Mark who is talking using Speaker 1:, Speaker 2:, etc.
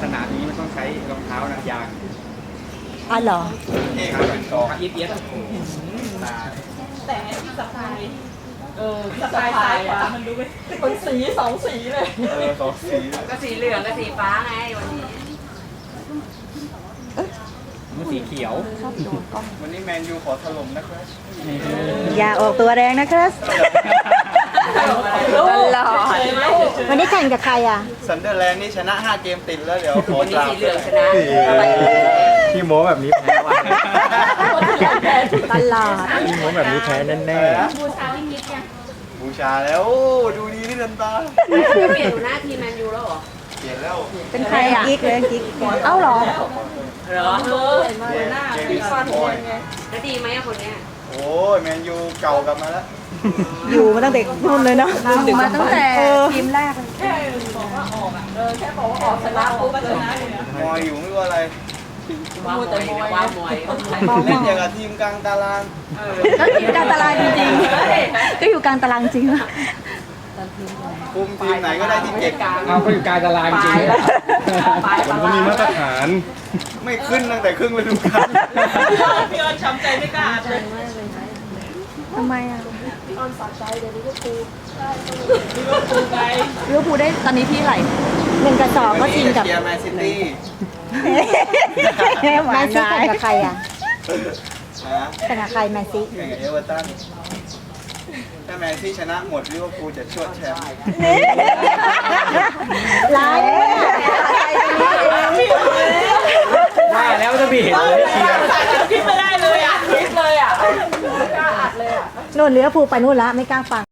Speaker 1: สนามนี้มันต้องใช้รองเท้านางยาง
Speaker 2: อ๋อเหรอ
Speaker 1: นี่ครับเป็นกองเอี๊ยดตา
Speaker 3: แต่ที่สะพายสะพายซ้ายขวามันดูเป็นสีสองสีเลย
Speaker 1: สองสี
Speaker 4: ก็สีเหลืองกับสีฟ้าไงวันนี้
Speaker 1: มันสีเขียววันนี้แมนยูขอถล่มนะครับ
Speaker 2: อย่าออกตัวแรงนะครับตลอดวันนี้แข่งกับใครอ่ะ
Speaker 1: ซันเดอร์แลนด์นี่ชนะ 5 เกมติดแล้วเดี๋ยวขอ
Speaker 4: วันนี้
Speaker 1: ตาม
Speaker 4: สีเหลืองชนะ
Speaker 5: พี่โม้แบบนี้แพ้ว่ะ
Speaker 2: ตลอด
Speaker 5: พี่โม้แบบนี้แพ้แน่
Speaker 1: บูชาแล้วโอ้ดูดีที่เดินตา
Speaker 4: เปลี่ยนหัวหน้าทีมแมนยูแล้วเหรอ
Speaker 1: เปลี่ยนแล้ว
Speaker 2: เป็นใครอ่ะกิ๊กเลยกิ๊กเอ้าเหรอ
Speaker 4: เหรอ
Speaker 1: เจมี่สปอย
Speaker 4: แล้วดีไหมอะคนเนี้ย
Speaker 1: โอ้ยแมนยูเก่ากลับมาแล้ว
Speaker 2: อยู่มาตั้งแต่รุ่นเลยเนาะมาตั้งแต่ทีมแรก
Speaker 3: แค่บอกว่าออกแค่บอกว่าออกชนะปุ๊บก็ชนะเลยนะ
Speaker 1: มอยอยู่ไม่รู้อะไร
Speaker 4: ว้าวมวยว้าวมวย
Speaker 1: เล่นอย่างกับทีมกลางตาราง
Speaker 2: ก็อยู่กลางตารางจริงๆก็อยู่กลางตารางจริง
Speaker 1: คุมทีมไหนก็ได้ที่เจ็ด
Speaker 5: เอาก็อยู่กลางตารางจริง ผมก็มีมาตรฐาน
Speaker 1: ไม่ขึ้นตั้งแต่ครึ่งฤดูกาล
Speaker 3: พี่ออนช้ำใจไม่กล้าเลย
Speaker 2: ทำไมอ่ะ
Speaker 3: ลิเวอร์พูลไง
Speaker 2: ลิเวอร์พูลได้ตอนนี้ที่ไหน1-2ก็ชิงกับ
Speaker 1: เชียร์แมนซิตี้
Speaker 2: แมนซีแข่งกับใครอ่ะ
Speaker 1: นะ
Speaker 2: แข่งกับใครแมนซี
Speaker 1: แข่งกับเอเวอร์ตันถ้าแมนซี่ชนะหมดลิเวอร์พูลจะชวดแชมป์
Speaker 2: ร้ายเลยอะ
Speaker 5: ว่าแล้วจะมีเห็นเลยเชียร์
Speaker 3: คิดไม่ได้เลยอ่ะคิดเลยอ่ะไม่กล้าอัดเลยอ่ะ
Speaker 2: นู่นลิเวอร์พูลไปนู่นละไม่กล้าฟัง